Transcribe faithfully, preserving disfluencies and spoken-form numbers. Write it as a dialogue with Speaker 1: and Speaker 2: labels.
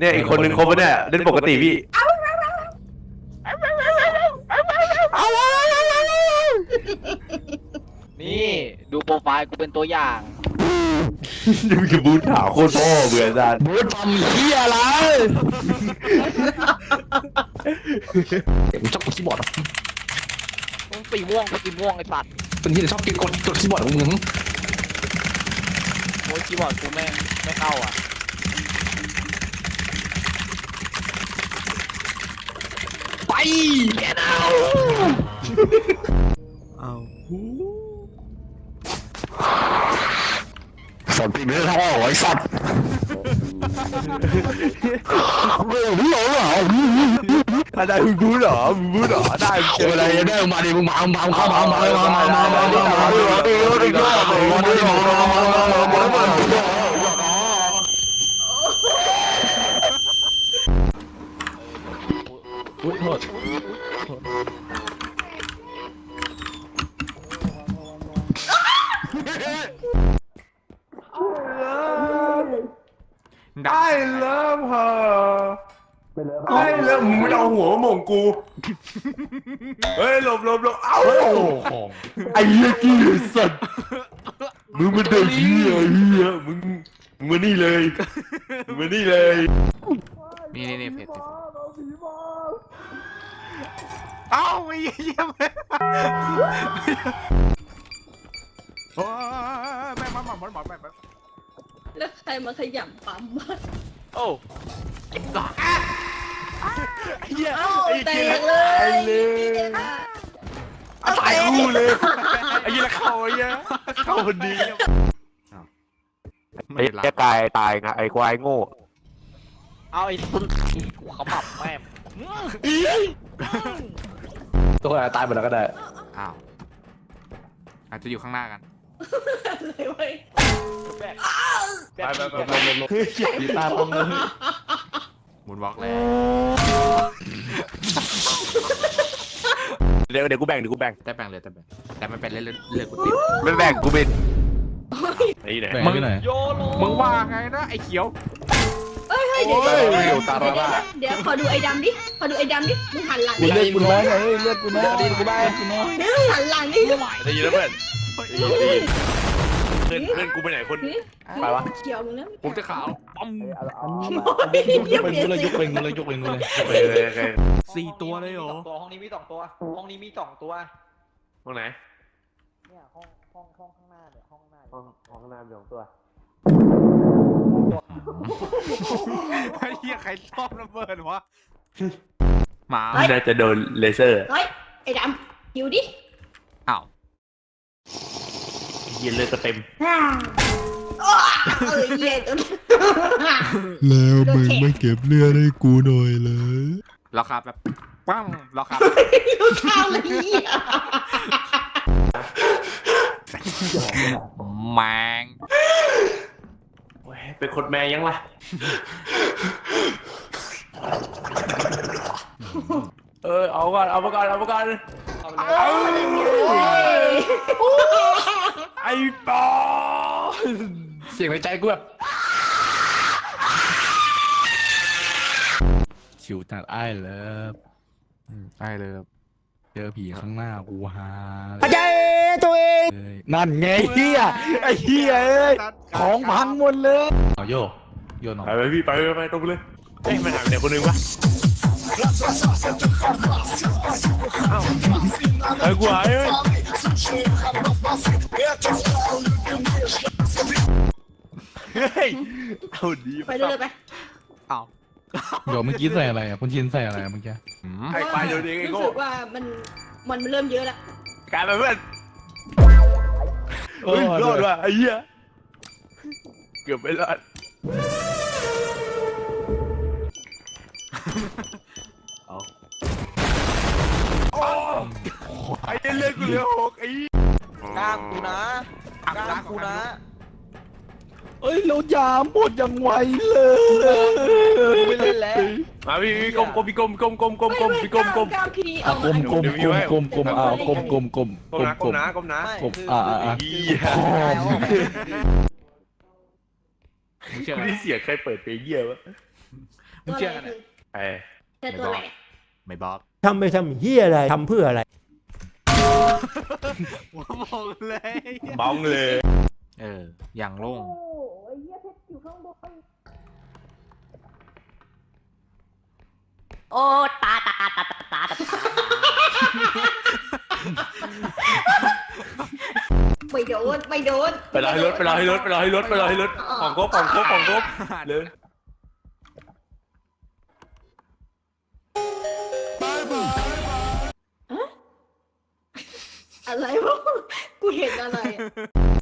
Speaker 1: เนี่ยอีกคนนึงครบปะเนี่ยเล่นปกติพี่
Speaker 2: นี่ดูโปรไฟล์กูเป็นตัวอย่าง
Speaker 1: ยังมีบูธขาวโคตรพ่อเบื่อจาน
Speaker 3: บูธทำเหี้ยอะไรมึงชอบกดคีย์บอร์ดเหรอ
Speaker 2: มึงสีม่วงกูสีม่วงไอ้สัตว์
Speaker 3: เป็นที่ชอบกินกดกดคีย์บอร์ดของมึง
Speaker 2: โอ้ยคีย์บอร์ดกูไม่ไม่เข้าอ่ะ
Speaker 3: ไปแกเอาเอาสัตว์ปีนี้ท่อไอ้สัตว์ไม่รู้เหรอ
Speaker 1: อะไรมึงบูธเหรอมึงบูธเหรอได้เจอ
Speaker 3: อะไรได้มาดิมึงมามึงมาเข้ามามามามามามามามาอุ้ยโทษ
Speaker 1: ได้เลิฟเธอได้เลิฟมึงไม่เอาหัวมาหม่งกูเฮ้ยหลบหลบหลบเอ้าไอ้เหี้ยกี้สัตว์มึงมันเด็กเหี้ยเหี้ยมึงมึงมานี่เลยมึงมานี่เลย
Speaker 2: นี่นี่นี่เพจเอ้าไม่เยี่ยมเลยโอ้ยแม่มาหมอนหมอนหมอนแม่
Speaker 4: แล้วใครมาขยำปั๊มวะ
Speaker 2: โอ้ไอ้บ้าไอ้เหี้ย
Speaker 4: เอ้า
Speaker 2: ไอ้
Speaker 4: แต
Speaker 2: เหี้ย
Speaker 4: กเลย
Speaker 1: ตายคู่เลยไอ้เหี้ยเข้าไอ้เหี้ยเข้าพอดีไอ้เหี้ยกายตายไงไอ้ควายโง่
Speaker 2: เอาไอ้ตุ้นกูขมับแม่
Speaker 3: ตัวอะไรตายหมดแล้วก็ได้
Speaker 2: อ้าวอาจจะอยู่ข้างหน้ากัน
Speaker 4: อะไรเว้ย
Speaker 2: แบก
Speaker 1: ไปไปไปไปลงตีตาตรงเลย
Speaker 2: หมุนวอล์กแล้ว
Speaker 1: เดี๋ยวเดี๋ยวกูแบ่งเดี๋ยวกูแบ่ง
Speaker 2: แต่แบ่งเลยแต่แบ่งแต่ไม่เป็นเรื่องเรื่องกูติด
Speaker 1: ไม่แบ่งกูเป็นไอ้ไหนมึง
Speaker 2: โยโลมึงว่าไงนะไอ้เขียว
Speaker 4: เอ้ยเดี๋ยวเดี๋ยวเดี๋ยวขอดูไอ้ดำดิขอดูไอ้ดำดิมึงหันหลังดิ
Speaker 3: เลือดกูน้อยเฮ้ยเลือดกูน้อยดีกูได้กูน้อย
Speaker 4: หันหลังดิ
Speaker 1: ได้ยินแล้วเพื่อนเพื่อนเพื่อนกูไปไหนคนไปวะ
Speaker 4: เขียวมึงนะ
Speaker 2: ผมจะขาวปั๊ม
Speaker 3: ยกเป็นเลยยกเป็นเลยยกเป็นเลย
Speaker 2: สี่ตัวเลยเหรอ
Speaker 5: ตัวห้องนี้มีสองตัวห้องนี้มีสองตัว
Speaker 1: ห้องไหน
Speaker 5: เนี่ยห้องห้องห้องข้างหน้าเนี่ยห้องข้างหน้า
Speaker 1: ห้องห้องข้างหน้ามีสองตัว
Speaker 2: ไอ้เหี้ยใครชอบระเบิดวะหมา
Speaker 1: น่าจะโดนเลเซอร์
Speaker 4: เฮ้ยไอ้ดำหิวดิ
Speaker 2: อ้าว
Speaker 1: เย็นเลยก็เต็ม
Speaker 4: เออเย็น
Speaker 6: แล้วมึงไม่เก็บเลือดให้กูหน่อยเลย
Speaker 2: ราคาแบบปั้มราคา
Speaker 4: ข้าวเลย
Speaker 2: แมง
Speaker 1: เป็นคนแม่ยังล่ะเออเอาก่อนเอามาก่อนเอามาก่อนไอ้ปอ
Speaker 3: เสียงในใจกูแบบชิวจัดไอ้เลิฟไอ้เลิฟเจอผีข้างหน้ากูฮาใจตัวเองนั่นไงเฮียไอ้เฮียเอ้ยของพังหมดเลยเอาโยโยนออก
Speaker 1: ไปไปพี่ไปไปไปตรงเลยเอ้ยมันหายไปไหนคนนึงวะไอ้กูหายเอ้ยเฮ้ยเอาดี
Speaker 4: ไปเลยไป
Speaker 2: เอา
Speaker 3: เดี๋ยวเมื่อกี้ใส่อะไรอ่ะคุณชินใส่อะไรเมื่อกี้
Speaker 1: ไอ้ไปเดี๋ยวนี้ไอ้โง่
Speaker 4: รู้สึกว่ามันมันเริ่มเยอะแล้ว
Speaker 1: กลายเป็นเพื่อนเฮ้ยรอดว่ะไอ้เหี้ยเกือบไม่รอดเอาไอ้เล่นกูเหลือหกไอ้
Speaker 5: กล้างกูนะกล้างกูนะ
Speaker 3: เอ้ยเรายาหมดยังไวเลย
Speaker 5: ไม่เล่นแล้ว
Speaker 1: มาพี่พี่กลมกลมพี่กลมกลมกลมกลมกลมพี่กลมกลม
Speaker 3: กลมกลมกลมกลมกลมอ่ากลมกลมกลม
Speaker 1: กลมนะกลมนะกลมนะ
Speaker 3: กลมอ่าอ่า
Speaker 1: คุณที่เสียใครเปิดเพลงเยี่ยวะ
Speaker 2: มึงเชื่อกันเนี่ย
Speaker 1: ไป
Speaker 4: เจอตัวอะไรเนี่ย
Speaker 2: ไม่บอก
Speaker 7: ทำไปทำเฮียอะไร ทำเพื่ออะไร
Speaker 2: หัวมองเลย
Speaker 1: บ้องเลย
Speaker 2: เออ อย่างโล่ง
Speaker 4: โอ้ยเหี้ยเพชรอยู่ข้างบนโอ้ตาตาตาตาตาตาตาไม่โดนไม่โดน
Speaker 1: ไปรอให้รถไปรอให้รถไปรอให้รถไปรอให้รถของครบของครบของครบเลย
Speaker 4: อะไรวะกูเห็นอะไรอะ